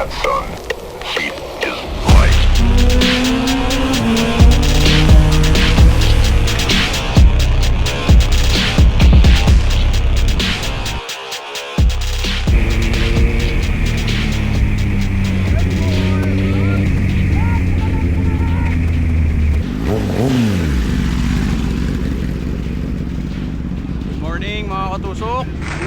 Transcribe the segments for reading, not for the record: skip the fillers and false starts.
that, son. Sleep is life. Good morning mga katusok.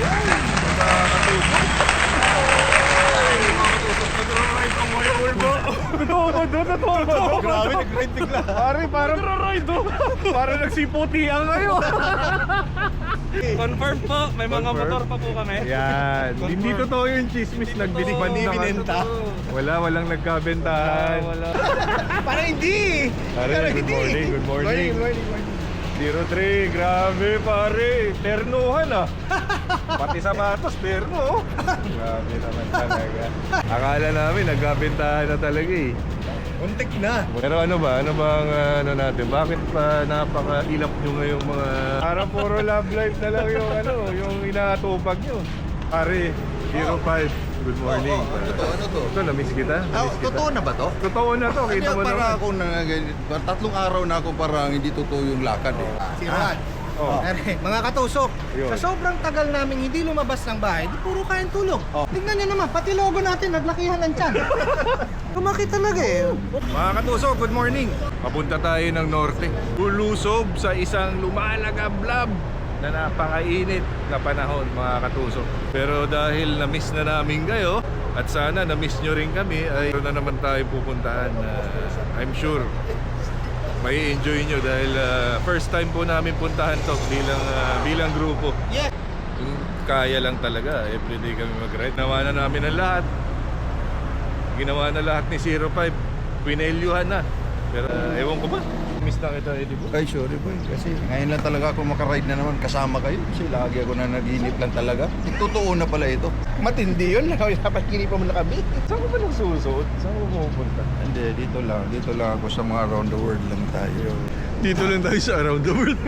Grabe, nag-ride bigla. Pare, parang nag-ride do. Parang nagsiputian kayo. Confirm po, may mga motor pa po kami. Yan. Hindi totoo yung chismis. Nagbinig Binibinenta. Walang nagkabentahan. Wala. Parang hindi. Pare, good morning, good morning. 03, grabe pare. Ternuhan ah. Pati sapatos, terno. Grabe naman talaga. Akala namin nagkabentahan na talaga eh. Untik na. Pero ano ba? Ano bang ano natin? Bakit pa napaka-ilap nyo ngayong mga... Parang puro love life na lang yung ano, yung inaatupag nyo. Pare, 05. Good morning. Ano to? Ito, na-miss kita. Na-miss kita. Totoo na ba to? Totoo na to. Hindi, Kita mo para naman. ako na tatlong araw na ako parang hindi totoo yung lakad eh. Siran. Oh. Mga katusok, Yun. sa sobrang tagal namin hindi lumabas ng bahay, di puro kain tulog. Tingnan nyo naman, pati logo natin, naglakihan ng tiyan. Kumaki talaga eh. Mga katusok, good morning. Papunta tayo ng norte. Lulusob sa isang lumalagablab na napakainit na panahon, mga katusok. Pero dahil na-miss na namin kayo at sana na-miss nyo rin kami, ay meron na naman tayo pupuntahan na I'm sure may enjoy nyo dahil first time po namin puntahan to bilang grupo. Yeah. Kung kaya lang talaga, everyday kami mag-ride. Ginawa na namin ang lahat. Ginawa na lahat ni 05. Pinelyuhan na. Pero ewan ko ba? Miss na kita, Eddie Boy. Ay, sorry boy. Kasi ngayon lang talaga ako makaride na naman kasama kayo. Kasi lagi ako na naginip lang talaga. Totoo na pala ito. Matindi yun, dapat kinipa mo na kami. Saan ko ba nagsusuot? Saan ko pupunta? Hindi, dito lang. Dito lang ako sa mga around the world lang tayo. Dito lang tayo sa around the world.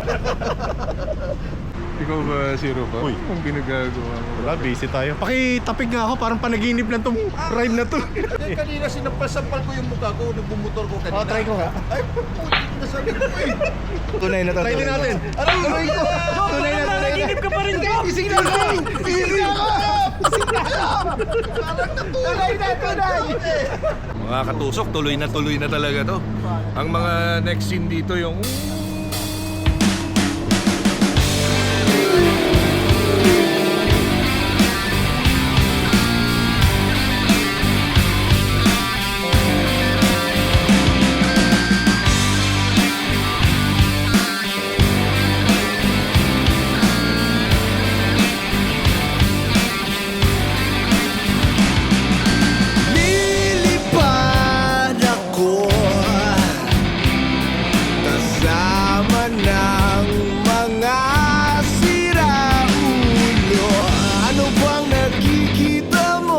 Ikaw ba, 05? Uy, anong ginagagawa mo? Wala, busy tayo. Pakitapig nga ako, parang panaginip na tong ride na to. Kasi kanina sinampal-sampal ko yung mukha ko. Nagbumotor ko kanina. Try ko nga. Ay, putik na sabi ko eh. Tunay na to. Try din natin. Aray, aray ko. Tunay na. Nanaginip ka pa rin ko! Ising na ako. Ising na ako. Tunay na, tunay. Mga katusok, tuloy na talaga to. Ang mga next scene dito yung... Lilipad ako kasama ng mga siraulo. Ano bang nakikita mo?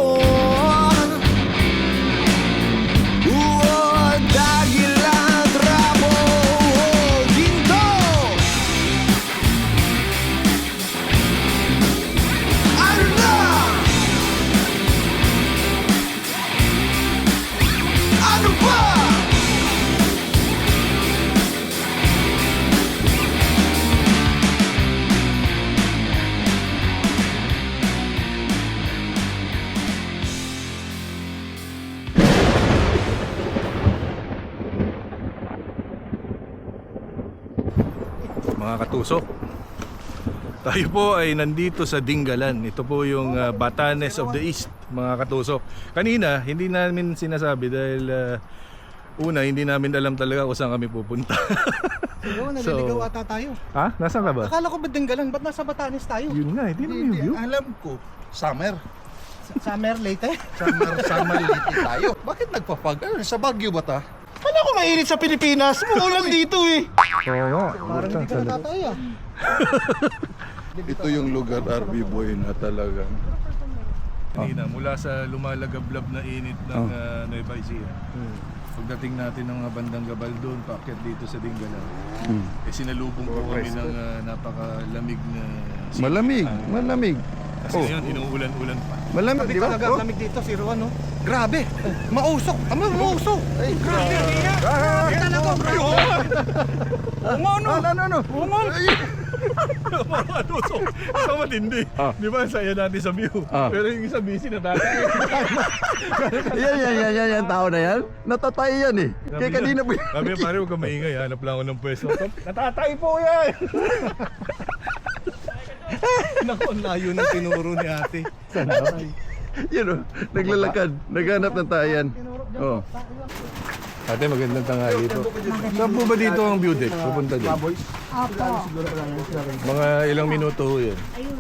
Dahil lahat rabo ginto. Ano na? Ano ba? Mga katusok, tayo po ay nandito sa Dingalan. Ito po yung Batanes of the East, mga katusok. Kanina, hindi namin sinasabi dahil una, hindi namin alam talaga kung saan kami pupunta. Oo, naliligaw ata tayo. Ha? Nasaan ka ba? Akala ko ba Dinggalan? Ba't nasa Batanes tayo? Yun nga, hindi naman yung view. Alam ko, summer. Summer late eh. Summer late tayo. Bakit nagpapag? Sa Baguio ba ta? Paano ako mainit sa Pilipinas? Umuulan dito eh. Oo nga. Parang hindi ka natatay ah. Ito yung lugar, RV boy, na talagang Kanina, mula sa lumalagablab na init ng Nueva Ecija. Pagdating natin ng bandang Gabal doon, paakyat dito sa Dingalan. Eh sinalubong po kami ng napakalamig na sea. malamig. Kasi ngayon, inuulan-ulan pa. Malamig, Grabe di ba? talaga, lamig dito, si Roan, no? Grabe. Mausok. Mausok. Ay, grabe. Grabe talaga, grabe. Ano? Mga katusok, ito matindi. Di ba, saya natin sa view. Pero yung isa busy na tayo. Yan, tao na yan. Natatay yan eh. Kaya kanina po Sabi niya, pare, huwag ka maingay. Hanap lang ako ng pwesto. Natatay po yan! Naku, ang layo ng tinuro ni ate. Yun o, naglalakad. Naghanap ng tayan. Oh. Ate, magandang tanghali po. Saan po ba dito ang view deck? Pupunta dyan. Opo. Mga ilang minuto ho yun.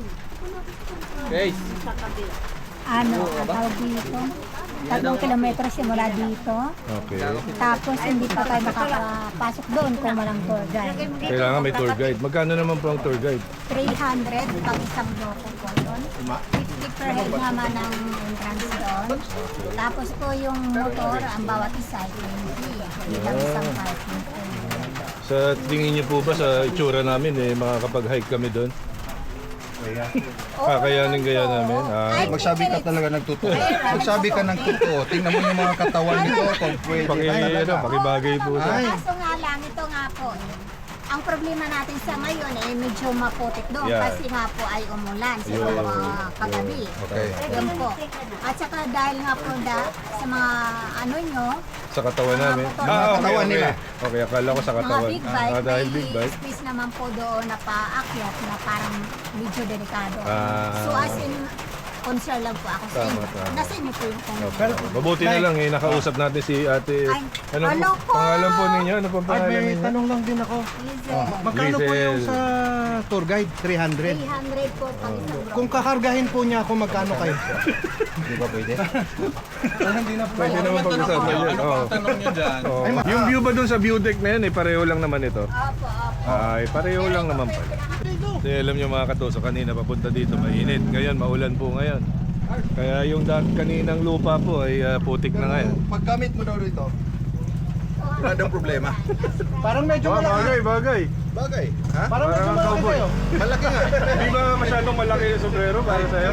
Ano, ang tawag dito? 3 kilometro simula dito. Okay. Tapos hindi pa tayo makakapasok doon kung walang tour guide. Kailangan may tour guide. Magkano naman po ang tour guide? 300 pag isang loko po yun. 50 per head naman ang entrance doon. Tapos po yung motor, ang bawat isa, 20. Ilang isang parking po yun. Sa tingin niyo po ba sa itsura namin makakapag-hike kami doon? Kakayanin kaya namin. Ay, Magsabi ka talaga ng totoo. Magsabi ka ng totoo. Tingnan mo yung mga katawan nito kung pwede. Pakibagay po sa... Kaso nga lang, ito nga po. Ang problema natin sa ngayon medyo maputik doon Yeah. kasi nga po ay umulan siguro kagabi. Okay. Yun po. At saka dahil nga po sa mga ano nyo, Sa katawan namin. Mga katawan nila. Okay, akala ko sa mga katawan. big bike, Dahil big may bike. space naman po doon na paakyat na parang medyo delikado. Ah. So as in, concern lang po ako sa Tama, inyo. tama. Nasa inyo po yung Okay. Mabuti na lang nakausap natin si ate. Ay, Ano hello po? po. Pangalan po ninyo? Ano po Ay, pangalan may ninyo? tanong lang din ako. Magkano po Liesel. yung sa tour guide? 300. 300 po pag isang loko. Kung kakargahin po niya ako, magkano kayo? Di ba pwede? Pwede naman pag-usapan yan. Ano pang tanong nyo dyan? Yung view ba dun sa view deck na yun, pareho lang naman ito? Opo, opo. Ay, pareho lang naman pala. Kasi alam nyo mga katusok, kanina papunta dito mainit. Ngayon, maulan po ngayon. Kaya yung kaninang lupa po ay putik na ngayon. Paggamit mo daw rito, wala daw problema. Parang medyo malaki. Bagay. Bagay. Ha? Parang medyo Parang malaki cowboy. kayo. Malaki nga. Hindi ba masyadong malaki yung sombrero para sa'yo?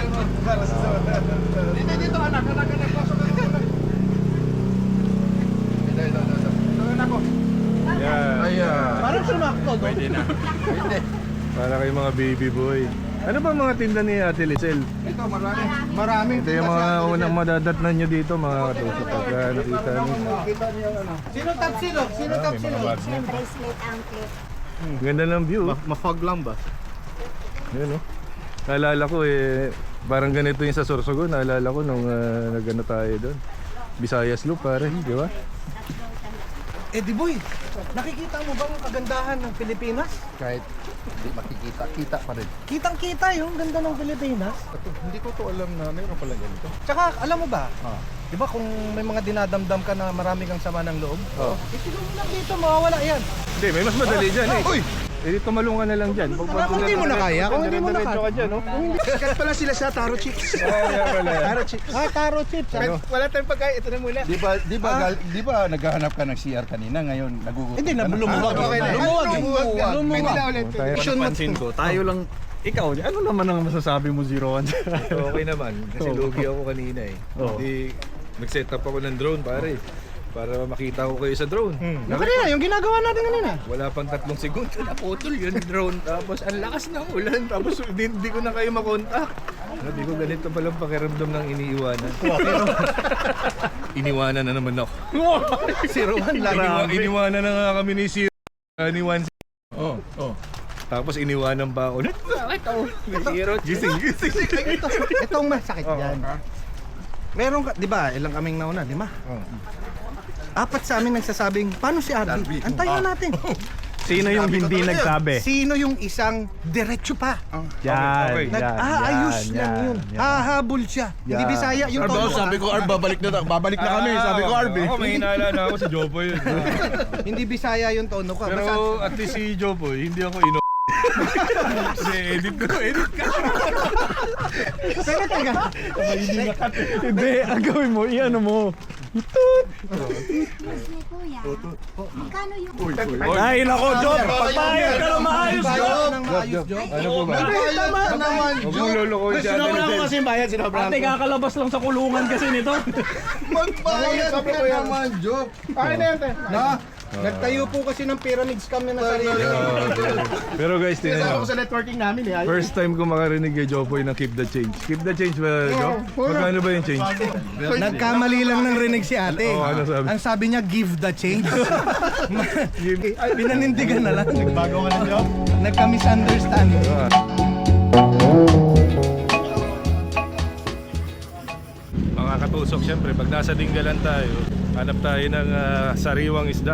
Dito, anak. Pasok ka dito. Dito. Yan. Ayan. Parang sumakto. Pwede na. Pwede. Para kay mga baby boy. Ano ba mga tinda ni Ate Liesel? Ito, marami. Marami. Ito yung mga unang madadatnan nyo dito mga katusok. Pagka nakita nyo. Sino top sino? Sino top May sino? mga bag na. Yung bracelet, anklet. Ganda ng view. Ma-fog lang ba? Yan oh. Naalala ko parang ganito yung sa Sorsogon. Naalala ko nung nagano tayo doon. Visayas Loop pare, di ba? Di boy, nakikita mo ba ang kagandahan ng Pilipinas? Kahit hindi makikita, kita pa rin. Kitang-kita yung ganda ng Pilipinas. Hindi ko to alam na mayroon pala ganito. Tsaka, alam mo ba? Di ba kung may mga dinadamdam ka na marami kang sama ng loob? Itigil mo lang dito, mawawala yan. Hindi, may mas madali dyan eh. Uy! Tumalong ka na lang dyan. Kung hindi mo na kaya, kung hindi mo na Diretso kaya. ka dyan, no? Sikat pala sila sa taro chips. Taro chips. Taro chips. Ano? Wala tayong pagkain, ito na muna. Di ba naghahanap ka ng CR kanina ngayon nagugutom Hindi na, ka lumuwag. Okay na. Lumuwag. Pansin ko, tayo lang, ikaw, ano naman ang masasabi mo 01? Okay naman. Kasi lugi ako kanina eh. Oo. Hindi, nag-set up ako ng drone pare. Para makita ko kayo sa drone. Yung kanina, yung ginagawa natin kanina. Wala pang 3 segundo, naputol yung drone. Tapos ang lakas ng ulan. Tapos hindi ko na kayo makontak. Sabi ko ganito palang pakiramdam ng iniiwanan. Iniwanan na naman ako. Si Roman Iniwanan na nga kami ni Zero. Ni Juan. Tapos iniwanan pa ako. Bakit ako? Zero. Gising. Itong masakit yan. Meron ka, di ba, ilang kaming nauna, 5? 4 sa amin nagsasabing, paano si Arby? Antayin natin. Sino yung hindi nagsabi? Sino yung isang diretso pa? Yan, Okay. Nag-aayos lang yun. Hahabol siya. Hindi Bisaya yung tono. ko Arb, babalik na kami. Sabi ko Arb. Ako may hinala na ako si Jopoy yun. Hindi Bisaya yung tono ko. Pero at least si Jopoy, hindi ako Kasi edit ko. Pero taga. Hindi, ang gawin mo, iano mo. Mas ni Kuya. Magkano yung... Ay, nako, Job! Pagpahayag ka na maayos, Job! ayos, Job. Ano po ba? Tama naman, Huwag mong lulukoy si Ate Lisel. bayad, sinobra Ate, kakalabas lang sa kulungan kasi nito. Magbayad ka naman, Job. Okay na yan, te. Na, nagtayo po kasi ng pyramid scam na sarili. Pero guys, tingnan nyo. sa networking namin eh. First time ko makarinig kay Jopoy ng keep the change. Keep the change ba, Jo? Magkano ba yung change? Nagkamali lang ng rinig si ate. Oo, ano sabi? Ang sabi niya, give the change. Pinanindigan na lang. Nagbago ka na, Job? Nagka-misunderstand. Mga katusok, syempre, pag nasa Dinggalan tayo, hanap tayo ng sariwang isda.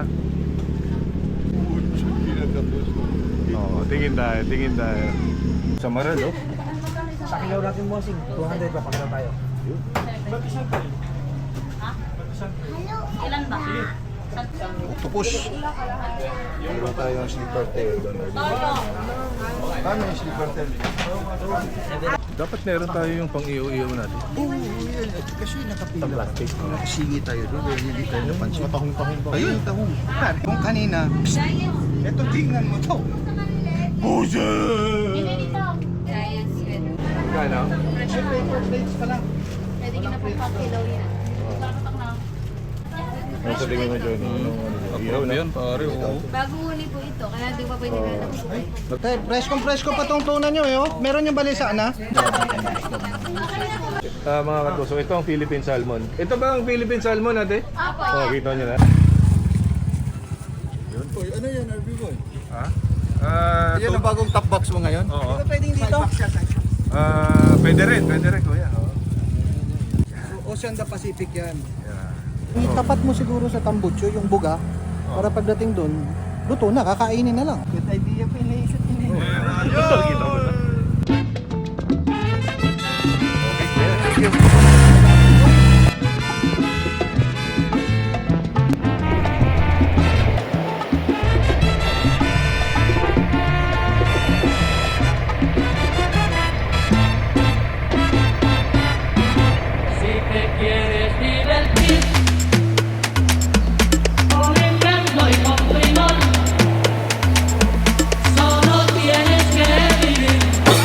Oo, tingin tayo. Sa Maral, oh. Sa kilaw natin bossing, 200 pa pagkala tayo. Ilan ba? Tupos. Meron tayong sleeper tail doon. Paano yung sleeper tail? Dapat meron tayo yung pang-iyo-iyo natin. Oo, yan. Kasi nakapila. Nakasingi tayo doon. Hindi tayo napansin. Matahong-tahong ba? Ayun, tahong. Kung kanina, eto tingnan mo to. Kano? Paper plates pa lang. Pwede ka na po pag-kilaw yan. Nasa tingin mo, Johnny. Iyo na yun, pare. Bago huli po ito, kaya di pa pwede na Tay, presko pa tong tunan nyo, eh. Oh. Meron yung balisa na. Mga katusok, ito ang Philippine Salmon. Ito ba ang Philippine Salmon, ate? Apo. Oh, kita nyo na. Uy, ano yan, RV boy? Ha? Yan ang bagong top box mo ngayon? Oo. Pwedeng dito? Pwede rin, kuya. Oo. Ocean the Pacific yan. Yeah. Itapat mo siguro sa tambutso yung buga para pagdating doon, luto na, kakainin na lang. Good idea pa iniisip niya. Kita mo na. Okay, kuya. Thank you. Si te quieres divertir con encanto y con primor, solo tienes que vivir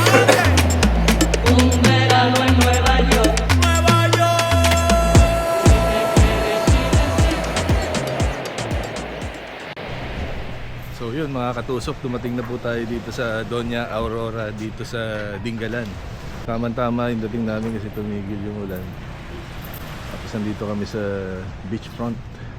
un verano en Nueva York. So yun mga katusok, dumating na po tayo dito sa Doña Aurora dito sa Dinggalan. Tama-tama yung dating namin kasi tumigil yung ulan. Tapos nandito kami sa beachfront.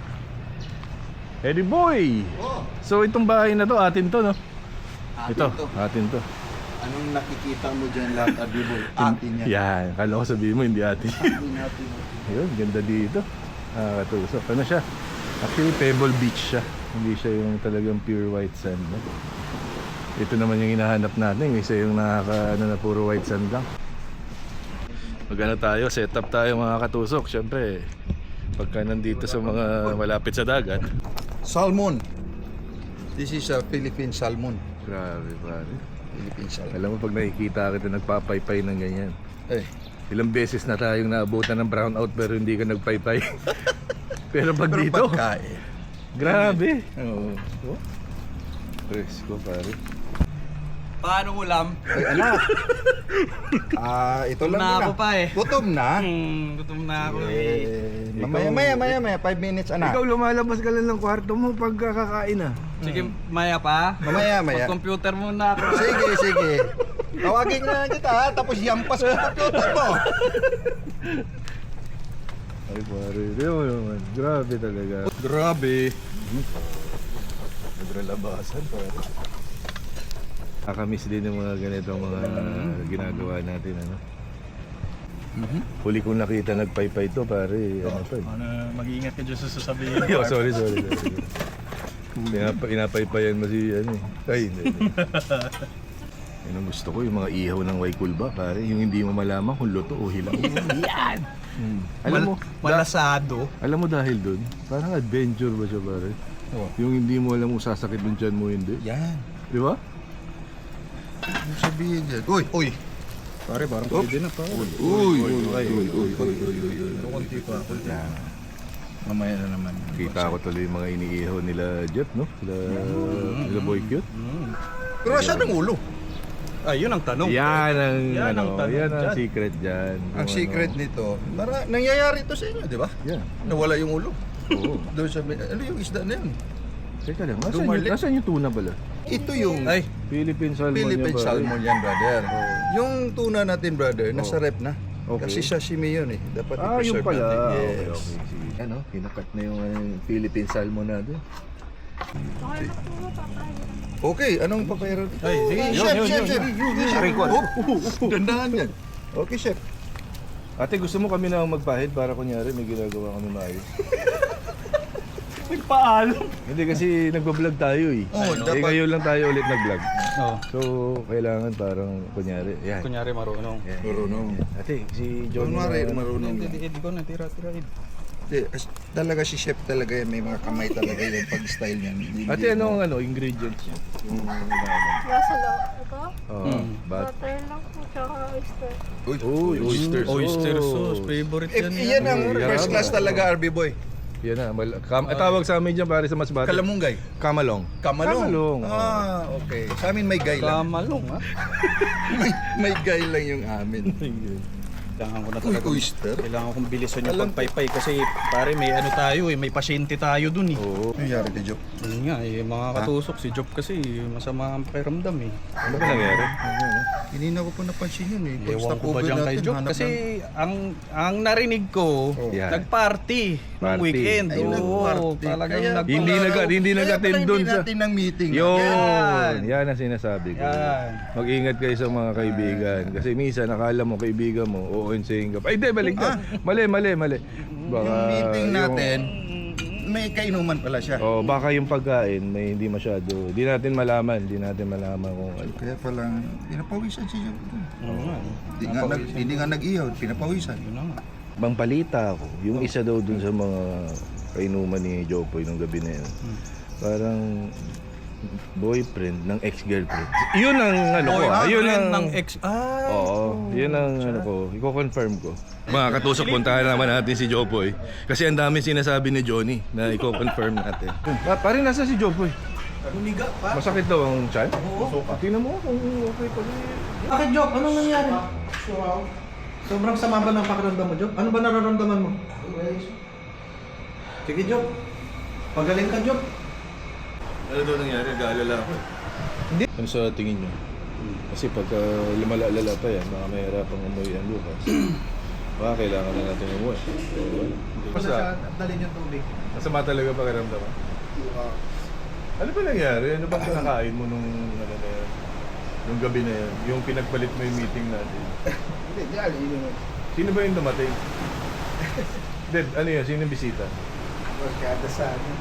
Eddie boy! So itong bahay na to, atin to, no? Ito, atin to. Anong nakikita mo dyan lahat, RV boy? Atin yan. Yan, kala ko sabihin mo hindi atin. Atin. Ayun, ganda dito. Katusok. Ano siya? Actually, Pebble Beach siya. Hindi siya yung talagang pure white sand. No? Ito naman yung hinahanap natin. Isa yung na puro white sand lang. Magano tayo, set up tayo mga katusok. Siyempre, pagka nandito sa mga malapit sa dagat. Salmon. This is a Philippine salmon. Grabe, pare. Philippine salmon. Alam mo, pag nakikita kita nagpapaypay ng ganyan. Eh, Ilang beses na tayong naabutan ng brownout pero hindi ka nagpaypay. Pero pag pero dito, pagkain. grabe. Oo. Oh. Presko, pare. Paano ulam? Ay, anak. Ito lang Na ako pa eh. Gutom na. Gutom na ako. Maya, 5 minutes, anak. Ikaw lumalabas ka lang ng kwarto mo pag kakain ah. Sige, maya pa. Maya. Mag-computer muna ako. Sige. Tawagin na kita, ha? Tapos yampas ko yung computer mo. Ay pare, di mo naman. Grabe talaga. Grabe. Nagralabasan pare. Nakamiss din yung mga ganitong mga ginagawa natin ano. Huli kong nakita nagpaypay to pare. Ano to? Mag-iingat ka dyan sa sasabihin. Oh, sorry. Pinapaypayan mo si ano eh. Ay, hindi. Yan ang gusto ko, yung mga ihaw ng Waikulba, pare. Yung hindi mo malaman kung luto o hilaw. Yan! Alam mo, Malasado. alam mo dahil doon, parang adventure ba siya, pare? Yung hindi mo alam kung sasakit ng tiyan mo, hindi. Yan. Di ba? Ano sabihin dyan? Uy! Pare, parang pwede na pa. Uy! Kunti pa. Yan. Mamaya na naman. Kita ko tuloy yung mga iniihaw nila Jet, no? Nila Boy Cute. Pero saan ang ulo? Yun ang tanong. Yan ang, Yan ang tanong yan ang dyan. secret dyan. Ang Kung secret ano. nito, nangyayari ito sa inyo, di ba? Yan. Nawala yung ulo. Oo. Doon sa, ano yung isda na yun? Teka lang, Dumalit. nasaan yung tuna pala? Ito yung Philippine salmon. Philippine yan, pare. salmon yan, brother. Yung tuna natin, brother, nasa rep na. Okay. Kasi sashimi yun eh. Dapat Yung i-preserve pala. natin. Okay, Yes. okay. Sige. Ano, kinakat na yung Philippine salmon natin. Okay, anong papayaran? Ay, sige. Chef, Yun, chef, yun, chef. Record. Dandahan yan. Okay, chef. Ate, gusto mo kami na magpahid para kunyari may ginagawa kami maayos? Nagpaalam. Hindi kasi nagbablog tayo eh. dapat. Ngayon lang tayo ulit nag-vlog. Oo. So, kailangan parang kunyari. Yan. Kunyari marunong. Yan. Marunong. Ate, si Johnny. Kunwari, marunong. Hindi ko na tira. Talaga si chef talaga yan. May mga kamay talaga yung pag-style niyan. Hindi Ate, mo- anong ingredients niya? Nasa loob. Ito? Oo. Butter lang po, tsaka oyster. Uy, oyster sauce. Oyster sauce. Favorite yan. Yan ang Yan. first class talaga, RB Boy. Yan na. Tawag sa amin dyan pare sa Masbate. Kalamungay. Kamalong. Kamalong. Kamalong, oo. Okay. Sa amin may gay lang. Kamalong, ha? may gay lang yung amin. Kailangan ko na Uy, talaga. oyster? Kailangan kong bilisan yung pagpaypay kasi pare may ano tayo may pasyente tayo dun eh. Oo. Nangyari kay Job. Yun nga mga katusok si Job kasi masama ang pakiramdam eh. Ano ba nangyari? Hindi na ko pa napansin yun eh. Pag Ewan stop ko ba over dyan kay natin, Job hanap kasi ng- ang narinig ko Yan. nagparty nung Party. weekend. Ay, Oo, nag-party. talagang Kaya nag Hindi pala- hindi kaya nag-attend pala dun hindi sa... natin ng meeting. Yun! Yan ang sinasabi ko. Yan. Mag-ingat kayo sa mga kaibigan. Kasi minsan nakala mo kaibigan mo, ONCing ka. Ay, di, balik ka. Mali. Baka, Yung meeting natin, may kainuman pala siya. Oh, baka yung pagkain may hindi masyado. Hindi natin malaman kung ano. Kaya palang pinapawisan si Job. Oo nga. Hindi nga nag-ihaw, pinapawisan. Yun na nga. Bang balita ako, yung isa daw dun sa mga kainuman ni Jopoy nung gabi na yun. Parang boyfriend ng ex-girlfriend. Yun ang ano ko. Yun ang ng ex. Oo, yun ang ano ko, i-confirm ko. Mga katusok, puntahan naman natin si Jopoy. Kasi ang dami sinasabi ni Johnny na i-confirm natin. Pare, nasa si Jopoy? Humiga pa. Masakit daw ang tiyan? Oo. Tingnan mo kung okay pa rin. Bakit, Job? Anong nangyari? Sobrang sama ba ng pakiramdam mo, Job? Ano ba nararamdaman mo? Sige, Job. Pagaling ka, Job. Ano daw nangyari? Nag-aalala ako. Hindi. Ano sa tingin niyo? Kasi pagka lumalala pa yan, baka mahirapang umuwi ang lukas. Baka kailangan na natin umuwi. So, basta, Dalhin yung tubig. masama talaga pakiramdam mo? Ano ba nangyari? Ano bang kinakain mo nung ano na yan? Nung gabi na yan? Yung pinagpalit mo yung meeting natin? Sino ba yung dumating? Dad, ano yan? Sino yung bisita? Barkada sa ano.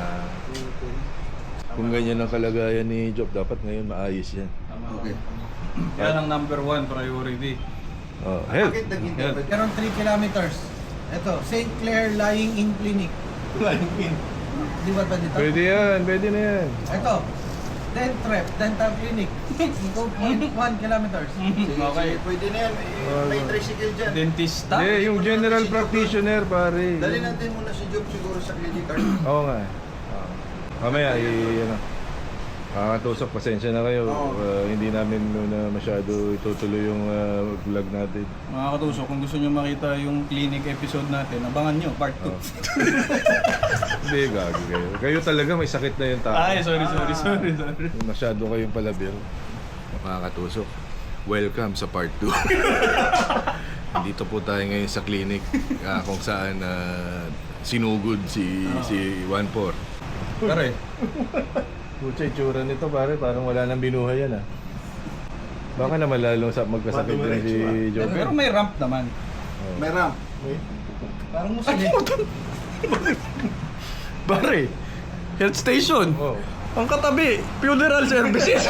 Kung ganyan ang kalagayan ni Job, dapat ngayon maayos yan. Okay. Yan ang number 1 priority. Oh, health. Meron 3 kilometers. Ito, St. Clair Lying-in Clinic. Lying-in. Di ba ba dito? Pwede yan, pwede na yan. Ito, Dentrep Dental Clinic. 2.1 kilometers. Okay. Pwede na yan. May tricycle dyan. Dentista. Hindi, yung general practitioner, pare. Dali natin muna si Job siguro sa clinic card. Oo nga. Mamaya, ano, tusok, pasensya na kayo. Hindi namin muna masyado itutuloy yung vlog natin. Mga katusok, kung gusto nyo makita yung clinic episode natin, abangan nyo, part 2. Hindi, gagi kayo. Kayo talaga may sakit na yung tao. Ay, sorry. Masyado kayong palabir. Mga katusok, welcome sa part 2. Dito po tayo ngayon sa clinic kung saan sinugod si 14. Pare, Pucha, itsura nito pare, parang wala nang binuhay yan Baka naman lalong magkasakit din si Joker. pero may ramp naman. May ramp. Parang musulit. Pare, health station. Oh. Ang katabi, funeral services.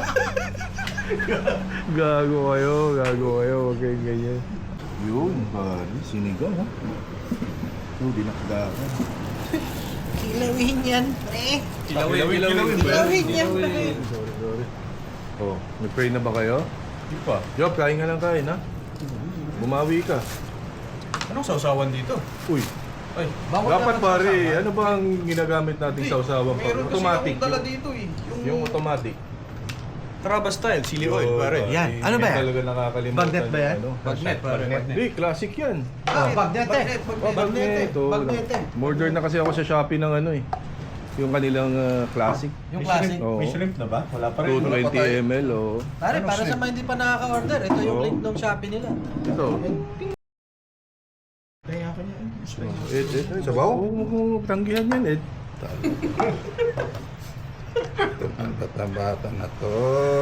Gago kayo, huwag kayong ganyan. Yun, pare, sinigaw ha. Dinakdakan. Kilawin yan, pre. Kilawin. Sorry. Oh, nag-pray na ba kayo? Hindi pa. Job, kain ka lang kain ha. Bumawi ka. Anong sausawan dito? Uy, Ay, dapat pare, ano ba ang ginagamit nating sausawan pa? meron kasi Automatic. akong dala dito eh. Yung automatic. Traba style, chili oil, pare. Yan. Ano ba yan? Talaga nakakalimutan. Bagnet ba yan? Bagnet, pare. Hindi, classic yan. Bagnete. Bagnet. Bagnete. Order na kasi ako sa Shopee ng ano eh. Yung kanilang classic. Yung classic. Oo. May shrimp na ba? Wala pa rin. 220 ml o. Pare, para sa mga hindi pa nakaka-order, ito yung Oo. link ng Shopee nila. Ito. Sabaw? Huwag mo tanggihan yan, Ed. Ang bata na to.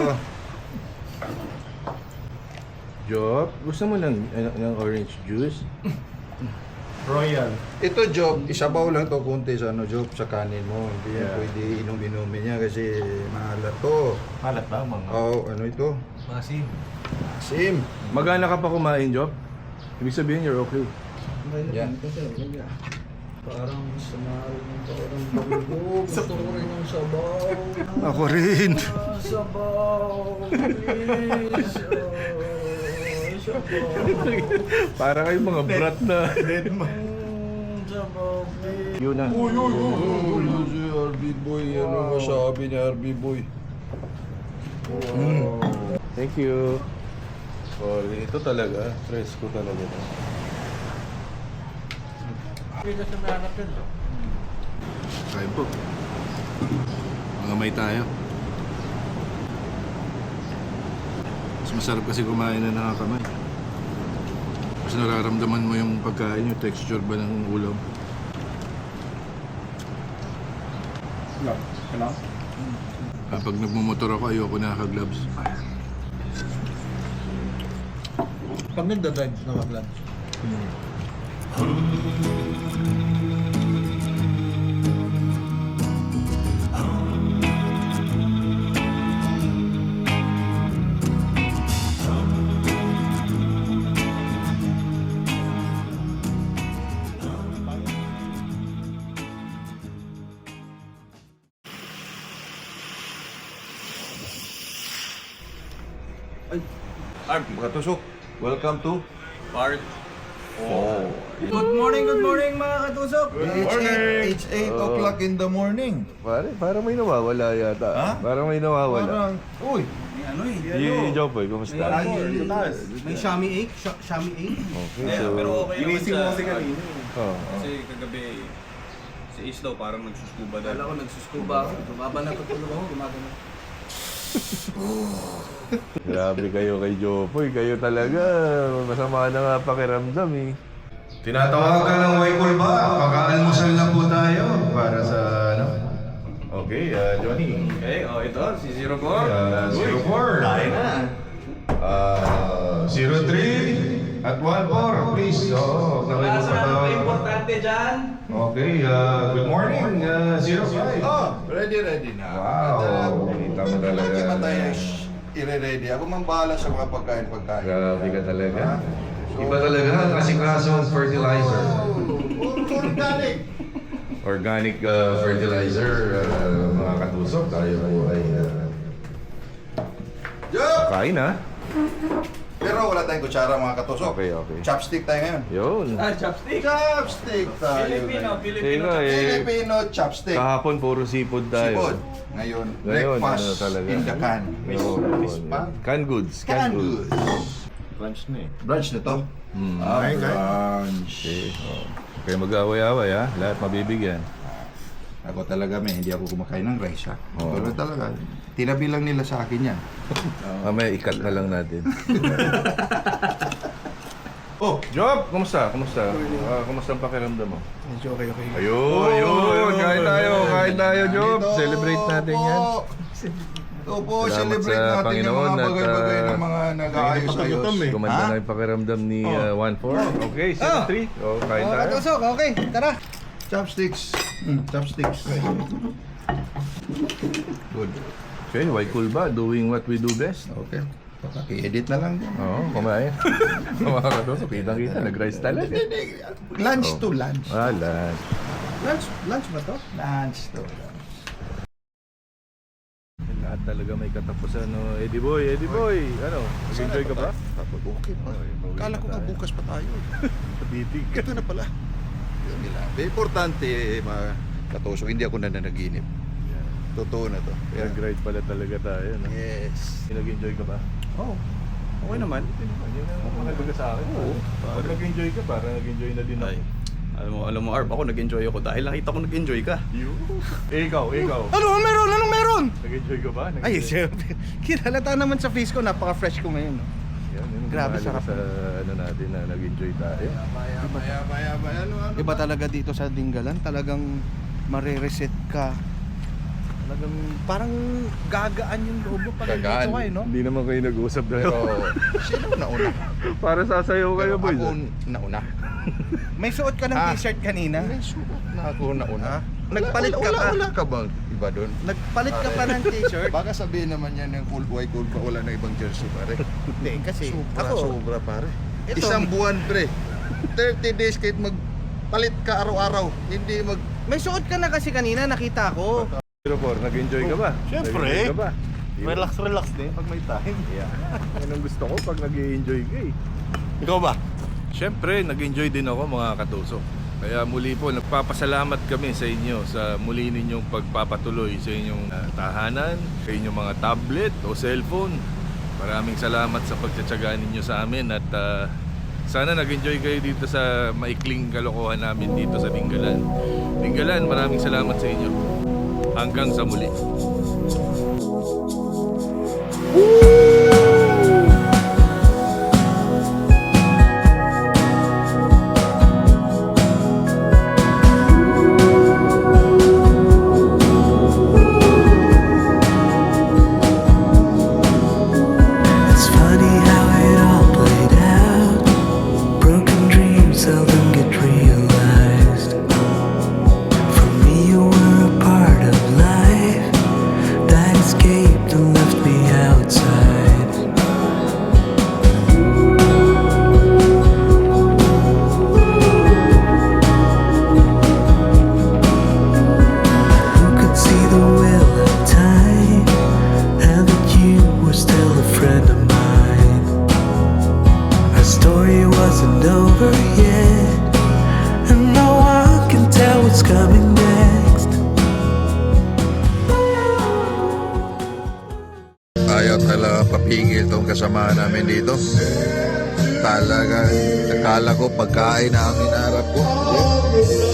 Job, gusto mo ng orange juice? Royal. Ito, Job, isabaw lang to kunti sa Job, sa kanin mo. Hindi yan pwede inom-inumin niya kasi mahalat to. Malat ba, mga? Ano ito? Masim. Sim. Magana ka pa kumain, Job? Ibig sabihin, you're okay. Yan. Parang sumari ng parang bago. Gusto ko rin ng sabaw. Ako rin. Sabaw. Please. Sabaw. Para kayong mga brat na. Sabaw, please. Yun na. Uy, si RB Boy. Ano masabi ni RB Boy? Thank you. Oh, ito talaga. Fresco talaga. Kain po. Mga may tayo. Mas masarap kasi kumain na nakakamay. Mas nararamdaman mo yung pagkain, yung texture ba ng ulam. Pag nagmumotor ako, ayoko nakaka-gloves. Pag nagdadrive na mag-lunch. Arb, mga tusok. Welcome to Part. Good morning mga katusok. It's 8 o'clock in the morning. Pare, parang may nawawala yata. Ha? Parang may nawawala. Uy, Yung Jopoy, kumusta? May Shami 8? Shami 8? Okay, so... Ginising mo kasi kanina. Oh. Kasi kagabi, si Ace daw parang nagsuskuba dahil. Kala ko nagsuskuba ako. Tumaba na tutulog ako. Gumagano. Grabe kayo kay Jopoy. Kayo talaga. Masama na nga pakiramdam eh. tinatawagan ng Waykol ba? Pag-aalmusal na po tayo para sa ano? Okay, Johnny. Okay, ito, si 04. 04. Tayo na. 03 at 14, please. Wala sa importante dyan. Okay, good morning, 05. Ready na. Wow, kita mo talaga. Hindi ba tayo i-ready? Ako mang bahala sa mga pagkain-pagkain. Grabe ka talaga. Iba talaga ang asikasong fertilizer. Organic. Organic fertilizer, mga katusok. Tayo ay Yup! kain ha. Pero wala tayong kutsara mga katusok. Okay, okay. Chopstick tayo ngayon. Yun. Chopstick. Chopstick tayo. Filipino. Filipino chopstick. Kahapon puro seafood tayo. Sipod. Ngayon, Ngayon, breakfast ano talaga? in the can. Canned goods. Canned goods. Lunch na eh. Brunch na to. Brunch. Okay. Kaya mag-away-away ha. Lahat mabibigyan. Ako talaga hindi ako kumakain ng rice ha. Oo. Pero talaga, tinabi lang nila sa akin yan. Mamaya ikat na lang natin. Oh, Job! Kumusta? Kumusta? Kumusta ang pakiramdam mo? Medyo okay. Ayun! Kain tayo, Job! Nandito. Celebrate natin yan. Ito po, Salamat celebrate sa natin yung Panginoon mga at, bagay-bagay ng mga nag-aayos-ayos. Gumanda na yung pakiramdam ni 1-4. Okay, 7-3. Oh, kain tayo. Katusok, okay. Tara. Chopsticks. Chopsticks. Good. Okay, why cool ba? Doing what we do best. Okay. I-edit na lang din. Oo, kumain. Mga katusok, kitang-kita. Nag-rice talaga. Lunch to lunch. Lunch. Lunch ba to? Lunch to. Lahat talaga may katapusan. No? Eddie Boy. Ano? Nag-enjoy ka ba? Okay pa. Kala ko nga bukas pa tayo. Titig. Ito na pala. Yun nila. Importante, mga katusok, hindi ako na nanaginip. Totoo na to. Nag-ride pala talaga tayo. No? Yes. Nag-enjoy ka ba? Oo. Okay naman. Yun ang mahalaga sa akin. Oo. Pag nag-enjoy ka, parang nag-enjoy na din ako. Ay, alam mo Arb, ako nag-enjoy ako dahil nakita ko nag-enjoy ka. Ikaw. Anong meron? Nag-enjoy ka ba? Ay, siyempre. Kinalata naman sa face ko, napaka-fresh ko ngayon. No? Yan, yun ang Grabe, mahalaga sarap. sa ano natin na nag-enjoy tayo. Iba talaga dito sa Dingalan, talagang mare-reset ka. Talagang parang gagaan yung loob mo pag Gagaan. dito kayo, no? Hindi naman kayo nag-usap dahil Pero sino nauna? para sasayaw kayo, Pero boys. ako nauna. May suot ka ng Ah. t-shirt kanina. May suot na ako nauna. Nagpalit ka pa. Wala ka bang iba doon? Nagpalit ka pa ng t-shirt. Baka sabihin naman yan ng cool white cool pa wala na ibang jersey pare. Hindi, kasi Sobra pare. Ito. Isang buwan pre. 30 days kahit magpalit ka araw-araw. Hindi mag may suot ka na kasi kanina, nakita ko. Pero nag-enjoy ka ba? Siyempre. Nag-enjoy ka ba? relax din pag may time. Yeah. Yan ang gusto ko pag nag-enjoy ka eh. Ikaw ba? Siyempre, nag-enjoy din ako mga katusok. Kaya muli po, nagpapasalamat kami sa inyo sa muli ninyong pagpapatuloy sa inyong tahanan, sa inyong mga tablet o cellphone. Maraming salamat sa pagtsatsaga ninyo sa amin at sana nag-enjoy kayo dito sa maikling kalokohan namin dito sa Dingalan. Dingalan, maraming salamat sa inyo. Hanggang sa muli. It's funny how it all played out. Broken dreams seldom get realized. For me, you were a part of life that escaped and left me outside. Who could see the will of time and that you were still a friend of mine? Our story wasn't over yet, and no one can tell what's coming next. Ayaw talaga papigil tong kasama namin dito. Talaga, akala ko pagkain na ang inarap ko.